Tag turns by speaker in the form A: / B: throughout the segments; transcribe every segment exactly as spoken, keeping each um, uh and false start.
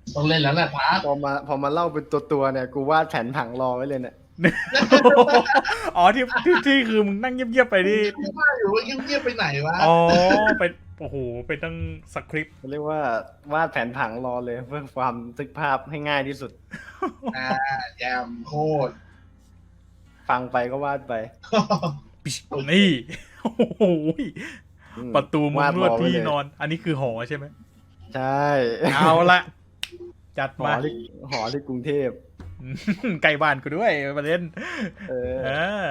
A: ต้องเล่นแล้วแหละพาร์ท
B: พอมาพอมาเล่าเป็นตัวตัวๆเนี่ยกูวาดแผนผังรอไว้เลยเนี่ย
C: อ๋อที่ที่ที่คือมึงนั่งเงียบๆไปนี่
A: ว่าอยู่ว่าเงียบๆไปไหนวะ
C: อ๋อไปโอ้โหไปตั้งสคริปต์
B: เรียกว่าวาดแผนผังรอเลยเพื่อความทึกภาพให้ง่ายที่สุด
A: อ่าแยมโคตร
B: ฟังไปก็วาดไป
C: นี่โอ้โห
B: อืม
C: ประตูมุ้งลวด
B: รอไ
C: ที่
B: เลย
C: นอน อันนี้คือหอใช่ไหม
B: ใช่
C: เอาละจัด
B: หอ
C: มา
B: ที่หอที่กรุงเทพ
C: อืมใกล้บ้านกูด้วยประเด็น
B: เออ
C: เออ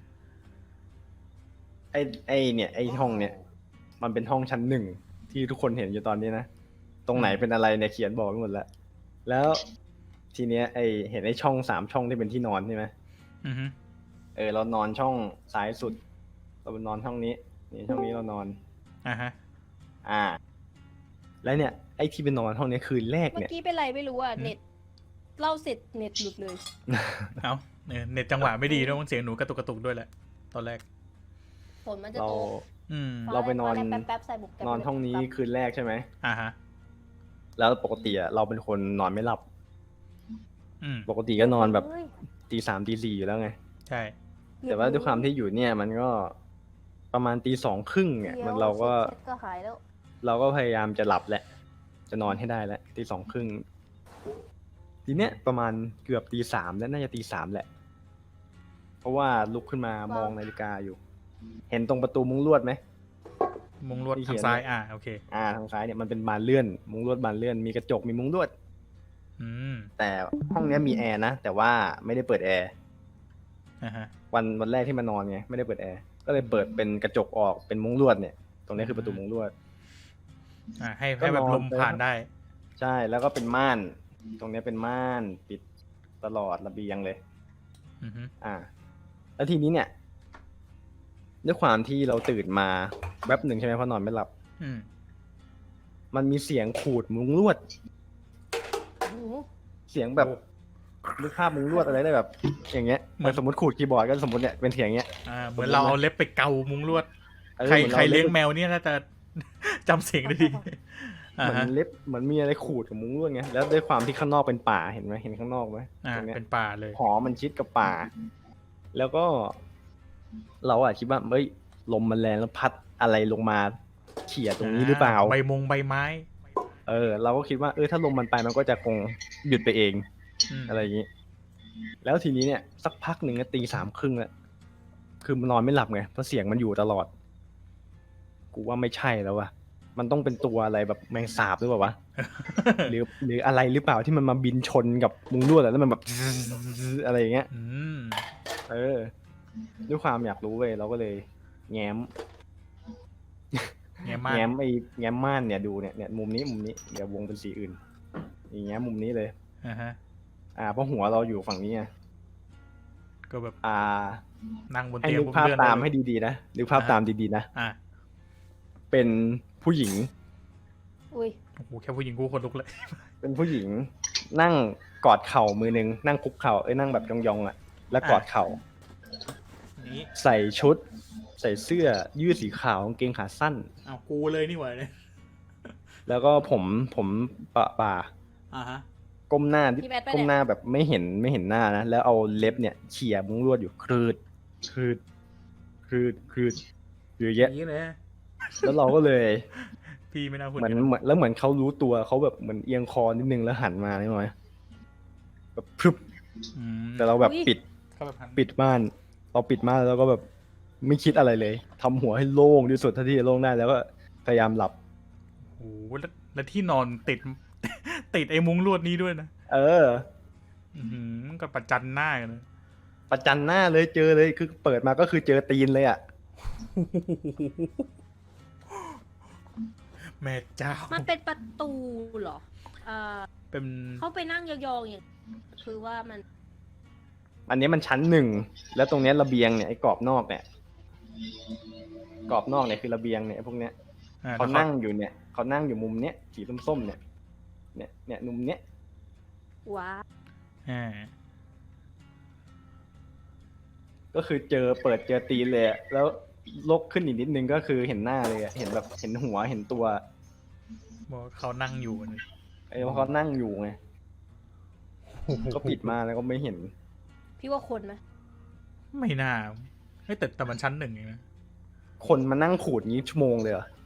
B: ไอไอเนี่ยไอห้องเนี่ย มันเป็นห้องชั้นหนึ่งที่ทุกคนเห็นอยู่ตอนนี้นะตรงไหนเป็นอะไรเนี่ยเขียนบอกไว้หมดแล้วแล้วทีเนี้ยไอเห็นไอช่องสามช่องที่เป็นที่นอนใช่ไหม
C: อือฮึ
B: เออเรานอนช่องซ้ายสุด เรานอนช่องนี้นี่ช่องนี้เรานอน
C: อ่าฮะ
B: อ่า แล้วเนี่ยไอ้ที่ไปนอนห้องนี้คืนแรก
D: เมื่
B: เนี่ย
D: อกี้เป็นไรไม่รู้อ่ะ เน็ตเล่าเสร็จเน็ตหลุดเลย
C: เอาเนี่ยเน็ตจังหวะไม่ดีด้วยมันเสียงหนูกระตุกกระตุกด้วยแหละ ตอนแรก
D: ฝนมันจะ
B: เรา
D: ตก
C: อืม
B: เราไปนอน
D: แป๊บแป๊บๆใส่บุกแป๊บ
B: นอนห้องนี้คืนแรกใช่ไหม
C: อ่าฮะ
B: แล้วปกติอะเราเป็นคนนอนไม่หลับ
C: อืม
B: ปกติก็นอนแบบ
D: เฮ้ย
B: ตีสามตีสี่อยู่แล้วไง
C: ใช่
B: แต่ว่าด้วยความที่อยู่เนี่ย มันก็ประมาณตีสองครึ่งเนี่ย มันเราก็
D: เสร็จก็หายแล้ว
B: เราก็พยายามจะหลับแหละ จะนอนให้ได้แล้วตีสองครึ่งทีเนี้ยประมาณเกือบตีสามแล้วน่าจะตีสามแหละ เพราะว่าลุกขึ้นมามองนาฬิกาอยู่ เห็นตรงประตูมุ้งลวดไหม
C: มุงลวด
B: ที่เขี
C: ทาง
B: ยน
C: ซ้ายอ่าโอเค
B: อ่าทางซ้ายเนี่ยมันเป็นบานเลื่อน มุ้งลวดบานเลื่อนมีกระจกมีมุ้งลวด
C: อืม
B: แต่ห้องเนี้ยมีแอร์นะ แต่ว่าไม่ได้เปิดแอร์
C: อ่าฮะ
B: วันวันแรกที่มานอนไงไม่ได้เปิดแอร์ก็เลยเปิดเป็นกระจกออกเป็นมุ้งลวดเนี่ย ตรงนี้คือประตูมุ้งลวด
C: อ่าให้
B: ก็
C: ให้แบบ
B: นอน
C: ลมผ่านได้
B: ใช่แล้วก็เป็นม่าน ตรงเนี้ยเป็นม่านปิดตลอดระเบียงเลย
C: อือฮึ
B: อ่า แล้วทีนี้เนี่ยด้วยความที่เราตื่นมาแป๊บหนึ่งใช่ไหมเพราะนอนไม่หลับ
C: อืม
B: มันมีเสียงขูดมุ้งลวด
D: โอ้โห
B: เสียงแบบนึกภาพมุ้งลวดอะไรได้แบบ อย่างเงี้ยเหมือนสมมติขูดคีย์บอร์ดก็สมมติเนี่ยเป็นเสียงเงี้ย
C: อ่าเหมือนเราเอาเล็บไปเกามุงลวด
B: ออ
C: ใคร
B: หมือน
C: ใคร
B: า
C: เลี้ยงแมวเนี่ยน่าจะ จำเสียงได้ดี อ่า
B: เหมือ
C: ฮะ
B: นเล็บเหมือนมีอะไรขูดกับมุ้งลวดไงแล้วด้วยความที่ข้างนอกเป็นป่าเห็นไหมเห็นข้างนอกไหม
C: อ่า
B: ตรงเนี้ย
C: เป็นป่าเลย
B: หอมันชิดกับป่า แล้วก็ เราอะคิดว่าเฮ้ยลมมันแรงแล้วพัดอะไรลงมาเขี่ยตรงนี้หรือเปล่า
C: ใบมงใบไม้
B: เออเราก็คิดว่าเออถ้าลมมันไปมันก็จะคงหยุดไปเอง
C: อืม
B: อะไรอย่างนี้ แล้วทีนี้เนี่ย สักพักหนึ่งตีสามครึ่งแล้วคือมันนอนไม่หลับไงเพราะเสียงมันอยู่ตลอด กูว่าไม่ใช่แล้ววะมันต้องเป็นตัวอะไรแบบแมงสาบหรือเปล่าวะ หรือหรืออะไรหรือเปล่าที่มันมาบินชนกับมุงลวดแล้วมันแบบ อะไรอย่างเงี้ย
C: อืม
B: เออ ด้วยความอยากรู้เว้ยเราก็เลย แง้ม
C: แง่มาก
B: แง้มไอ้แง้มม่านเนี่ยดูเนี่ยเนี่ยมุมนี้มุมนี้เดี๋ยววงเป็นสีอื่นอย่างแง้มมุมนี้เลย
C: อ่าฮะ
B: อ่าเพราะหัวเราอยู่ฝั่งนี้ไง
C: ก็แบบ
B: อ่า
C: นั่งบน
B: ให้
C: เตียง
B: นึก
C: บน
B: ภาพ
C: เลื่อน
B: ตาม
C: ได้
B: ให้ดีๆนะนึกภาพตามดีๆนะ
C: อ่า
B: เป็นผู้หญิง
D: อุ้ย
C: โอ้โหแค่ผู้หญิงกูคนลุกเลย
B: เป็นผู้หญิง นั่งกอดเข่ามือหนึ่งนั่งคุกเข่าเอ้ยนั่งแบบยองๆอ่ะ แล้วกอดเข่า
C: นี่
B: ใส่ชุด ใส่เสื้อยืดสีขาวกางเกงขาสั้น
C: เอากูเลยนี่หว่าเนี่ย
B: แล้วก็ผมผมปะป่า
C: อ่าฮะ
B: ก้มหน้านิด
D: พี่แบทไปะ
B: ก้มห
D: เนี่ย
B: น้าแบบไม่เห็นไม่เห็นหน้านะแล้วเอาเล็บเนี่ยเขี่ยมุ้งลวดอยู่ครืดครืดครืดครืดอยู่อย่างเงี้ย
C: นี่เลย
B: แล้วเราก็เลย
C: พี่ไม่น่าพูด
B: เหมือน
C: ย่าง
B: เหมือนแล้วเหมือนเขารู้ตัวเขาแบบเหมือนเอียงคอนิดนึงแล้วหันมาได้ไหมแบบพรึบ
C: อืม
B: แต่เราแบบปิด
C: เขาแบบหัน
B: ปิดม่านเราปิดม่านแล้วก็แบบไม่คิดอะไรเลยทำหัวให้โล่งที่สุดเท่าที่จะโล่งได้แล้วก็พยายามหลับ
C: โอ้โหแล้วแล้วที่นอนติด ติดไอ้มุ้งลวดนี้ด้วยนะ
B: เออ
C: อือหือก็ประจันหน้ากันเลย
B: ประจันหน้าเลยเจอเลยคือเปิดมาก็คือเจอตีนเลยอ่ะ
C: แม่เจ้า
D: มันเป็นประตูเหรอเอ่อ
C: เป็น
D: เขาไปนั่งยองๆอย่างคือว่ามัน
B: อันนี้มันชั้นหนึ่งแล้วตรงเนี้ยระเบียงเนี่ยไอ้กรอบนอกเนี่ยกรอบนอกเนี่ยคือระเบียงเนี่ยพวกเนี้ย
C: อ่
B: เขา
C: แล้ว
B: นั่งอยู่เนี่ยเขานั่งอยู่มุมเนี้ยสีส้มๆเนี่ย เนี่ยเนี่ยมุมเนี้ย
D: ว้า
C: อ่า
B: ก็คือเจอเปิดเจอตีนเลยอะแล้วลกขึ้นอีกนิดนึงก็คือเห็นหน้าเลยอะเห็นแบบเห็นหัวเห็นตัว
C: บอกว่าเขานั่งอยู่นะ
B: ไอ้เขานั่งอยู่ไงก็ปิดมาแล้วก็ไม่เห็น
D: พี่ว่าคนไหม
C: ไม่น่าเฮ้ยแต่แต่มันชั้นหนึ่งเองนะ
B: คนมานั่งขูดงี้ชั่วโมงเลยเหรอ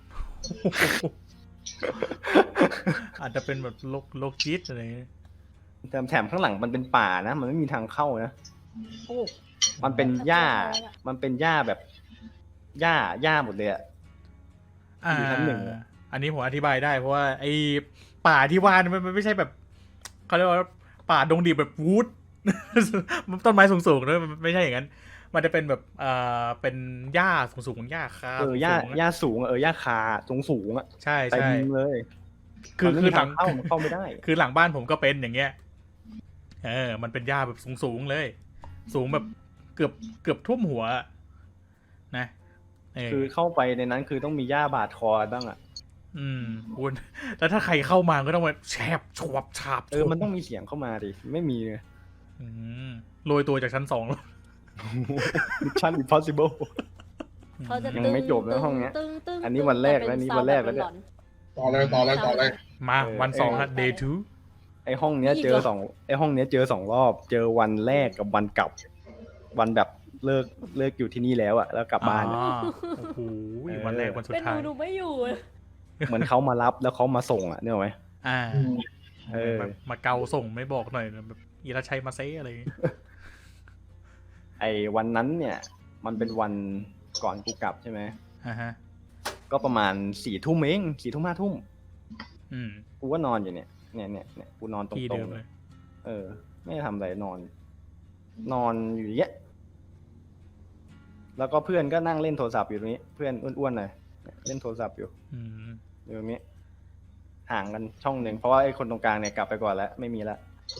C: อาจจะเป็นแบบโลกโลกจิตอะไร
B: แต่แถมข้างหลังมันเป็นป่านะมันไม่มีทางเข้านะ
D: โอ้
B: มันเป็นหญ้า
D: มันเป็นอะไรอะ
B: มันเป็นหญ้าแบบหญ้าหญ้าหมดเลยอะ
C: อ่า
B: อยู่ชั้นหนึ่งอะ
C: อันนี้ผมอธิบายได้เพราะว่าไอ้ป่าที่ว่ามันมันไม่ใช่แบบเขาเรียกว่าป่าดงดิบแบบวูด ต้นไม้สูงๆนะมันไม่ใช่อย่างนั้น มันจะเป็นแบบเอ่อเป็นหญ้าสูงๆหญ้าคา
B: เออหญ้า
C: สูงๆอะ
B: หญ้าสูงอะเออหญ้าคาสูงสูงๆอะ
C: ใช่
B: เต็ม
C: ใช่
B: เลย
C: คือ
B: มันไม่
C: คื
B: มี
C: อหลั
B: ทาง งเข้ามันเข้าไม่ได้
C: คือหลังบ้านผมก็เป็นอย่างเงี้ย เออ มันเป็นหญ้าแบบสูงๆเลย สูงแบบเกือบเกือบท่วมหัวอะนะเออ
B: คือเข้าไปในนั้นคือต้องมีหญ้าบาดคอบ้างอะ
C: อืมคุณแล้วถ้าใครเข้ามาก็ต้องมาแฉบฉวบฉาบ
B: เออมันต้องมีเสียงเข้ามาดิไม่มีเลย
C: อืมโรยตัวจากชั้นสองแล้ว
B: Mission Impossible
D: เขาจะ
B: ยัง
D: ตึง
B: ไม่จบนะห้องเนี้ย
D: ตึงตึง
B: อันนี้วันแรกแล้วอันนี้วันแรกแล้วเนี่ย
A: ต่อเลยต่อเลยต่อเลย
C: มา
B: เออ
C: วันสองครับ
D: เออ
C: day two
B: ไอห้องเนี้ยเจอสองไอห้องเนี้ยเจอสองรอบ เจอวันแรกกับวันกลับ วันแบบเลิกเลิกอยู่ที่นี่แล้วอะแล้วกลับบ้านอะ
C: อ๋อโอ้โห
B: เออ
C: วันแรกวันสุด
D: เป็นห
C: ท้า
D: นู
C: ย
D: หนูไม่อยู่
B: เหมือนเขามารับแล้วเขามาส่งอะเนี่ยหรอไหม
C: อ่า
B: เออ
C: แบบมาเกาส่งไม่บอกหน่อยแบบอีราชัยมาเซ่อะไรอย่างงี้
B: ไอวันนั้นเนี่ย มันเป็นวันก่อนกูกลับใช่ไหม
C: อ่าฮะ
B: ก็ประมาณสี่ทุ่มเองสี่ทุ่มห้าทุ่ม
C: อืม
B: กูก็นอนอยู่เนี่ยเนี่ยเนี่ยเนี่ยกูนอนตร
C: ที่
B: ง
C: เดิม
B: ๆ
C: เล
B: เลย
C: ย
B: เออ ไม่ได้ทำอะไรนอน นอนอยู่อย่างเงี้ยแล้วก็เพื่อนก็นั่งเล่นโทรศัพท์อยู่ตรงนี้ เพื่อนอ้วนๆหน่อยเล่นโทรศัพท์อยู่
C: อืม
B: อยู่ตรงนี้ ห่างกันช่องหนึ่งเพราะว่าไอ้คนตรงกลางเนี่ยกลับไปก่อนแล้วไม่มีละ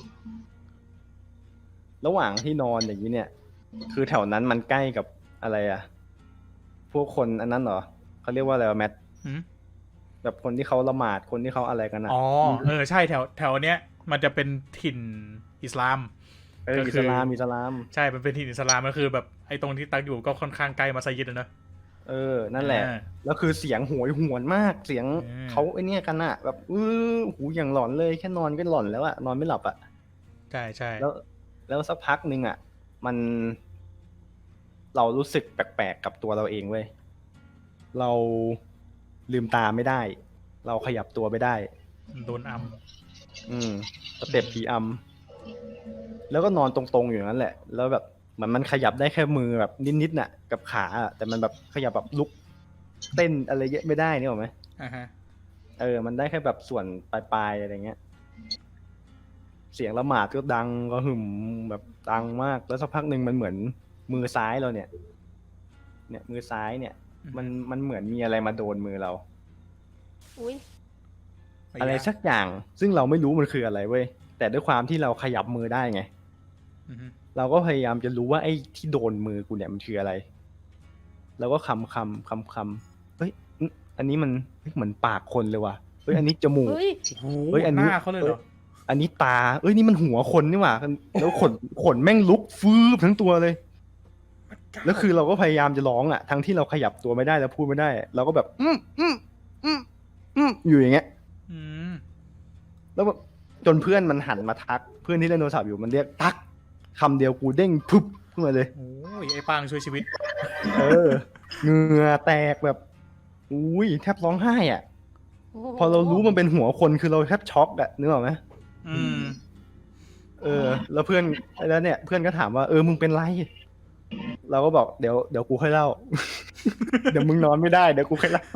B: ระหว่างที่นอนอย่างนี้เนี่ย คือแถวนั้นมันใกล้กับอะไรอะพวกคนอันนั้นเหรอเขาเรียกว่าอะไรวะแมท
C: อืม
B: แบบคนที่เขาละหมาดคนที่เขาอะไรกันอะ
C: อ๋อ เออ ใช่แถวแถวเนี้ย มันจะเป็นถิ่นอิสลาม
B: เออ
C: ก็
B: อิ
C: คือ
B: สลามอิสลาม
C: ใช่ มันเป็นถิ่นอิสลามก็คือแบบไอ้ตรงที่ตักอยู่ก็ค่อนข้างใกล้มัสยิดอะเนอะ
B: เออ นั่นแหละ
C: อ่า
B: แล้วคือเสียงโหยหวนมาก เสียง
C: อืม
B: เขาไอเนี่ยกันอะแบบอื้อหูอย่างหลอนเลยแค่นอนก็หลอนแล้วอะนอนไม่หลับอะ
C: ใช่ใช่
B: แล้ว แล้วสักพักหนึ่งอะมัน เรารู้สึกแปลกๆกับตัวเราเองเว้ย เราลืมตาไม่ได้ เราขยับตัวไม่ได้
C: โดนอัม
B: อืมสเต็ปผีอำแล้วก็นอนตรงๆอยู่นั้นแหละ แล้วแบบเหมือนมันขยับได้แค่มือแบบนิดๆน่ะ กับขาอะแต่มันแบบขยับแบบลุกเต้นอะไรเยอะไม่ได้นี่หรอกไหม
C: อ่าฮะ
B: เออ มันได้แค่แบบส่วนปลายๆอะไรเงี้ย เสียงละหมาดก็ดังก็หึมแบบดังมาก แล้วสักพักหนึ่งมันเหมือนมือซ้ายเราเนี่ย เนี่ยมือซ้ายเนี่ย มันมันเหมือนมีอะไรมาโดนมือเรา
D: อุ้ย
B: อะไรสักอย่าง ซึ่งเราไม่รู้มันคืออะไรเว้ย แต่ด้วยความที่เราขยับมือได้ไง
C: อือฮึ
B: เราก็พยายามจะรู้ว่าไอ้ที่โดนมือกูเนี่ยมันคืออะไร แล้วก็คำคำคำคำเฮ้ยอื้ออันนี้มันเฮ้ยเหมือนปากคนเลยว่ะ เฮ้ยอันนี้จมูก
D: เฮ้ย
C: โอ้โห
B: เฮ้ยอัน
C: ห
B: นี้
C: น้าเขาเลยเหรอ
B: อันนี้ตา เอ้ยนี่มันหัวคนนี่หว่า แล้วขนขนแม่งลุกฟืบทั้งตัวเลย แล้วคือเราก็พยายามจะร้องอ่ะ ทั้งที่เราขยับตัวไม่ได้แล้วพูดไม่ได้ เราก็แบบ อืมอืมอืมอืมอยู่อย่างเงี้ย
C: อืม
B: แล้วแบบจนเพื่อนมันหันมาทัก เพื่อนที่เล่นโทรศัพท์อยู่มันเรียกตักคำเดียวกูเด้งพึบขึ้นมาเลย
C: โอ้ยไอ้ปางช่วยชีวิต
B: เออเหงื่อแตกแบบอุ้ยแทบร้องไห้อ่ะ
D: โอ้โห
B: พอเรารู้มันเป็นหัวคนคือเราแทบช็อกอะนึกออกไหม
C: อืม
B: เออ แล้วเพื่อนแล้วเนี่ย เพื่อนก็ถามว่าเออมึงเป็นไร เราก็บอกเดี๋ยวเดี๋ยวกูค่อยเล่า เดี๋ยวมึงนอนไม่ได้เดี๋ยวกูค่อยเล่า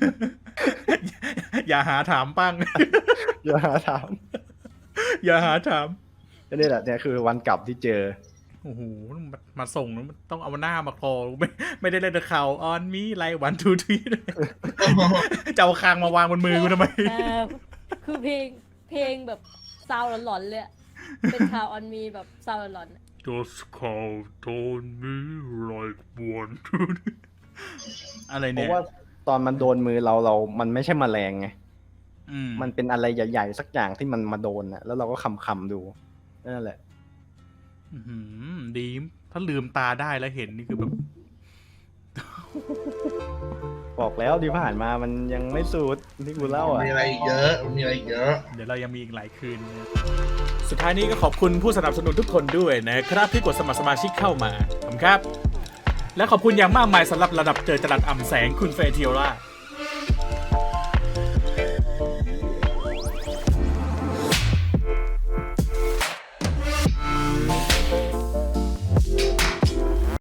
C: อย่าหาถามปัง
B: อย่าหาถาม
C: อย่าหาถาม
B: ก็นี่แหละเนี่ยคือวันกลับที่เจอ
C: โอ้โหมามาส่งแล้วมันต้องเอาหน้ามาคอไม่ไม่ได้เล่นข่าวออนมีไลวันทูทีจะเอาคางมาวางบนมือกูทำไม
D: เออคือเพลงเพลงแบบซาวหลอนๆเลยอะเป็นข่าวออนมีแบบซาวหลอนๆอะ
C: Just call on me like one two อะไร
B: เพ
C: เนี่ย
B: ราะว่าตอนมันโดนมือเราเรา มันไม่ใช่แมลงไง
C: อืม
B: มันเป็นอะไรใหญ่ๆสักอย่างที่มันมาโดนอะแล้วเราก็คำคำๆดูนั่นแหละ
C: อื้อหือดีถ้าลืมตาได้แล้วเห็นนี่คือแบบ
B: พบอกแล้วที่ผ่านมามันยังไม่สุดที่กูเล่าอ่ะ
A: มีอะไรอีกเยอะมีอะไรอีกเยอะ
C: เดี๋ยวเรายังมีอีกหลายคืน สุดท้ายนี้ก็ขอบคุณผู้สนับสนุนทุกคนด้วยนะครับที่กดสมัครสมาชิกเข้ามาขอบคุณครับ และขอบคุณอย่างมากมายสำหรับระดับเจอจรัสอ่ำแสงคุณเฟเทียร่า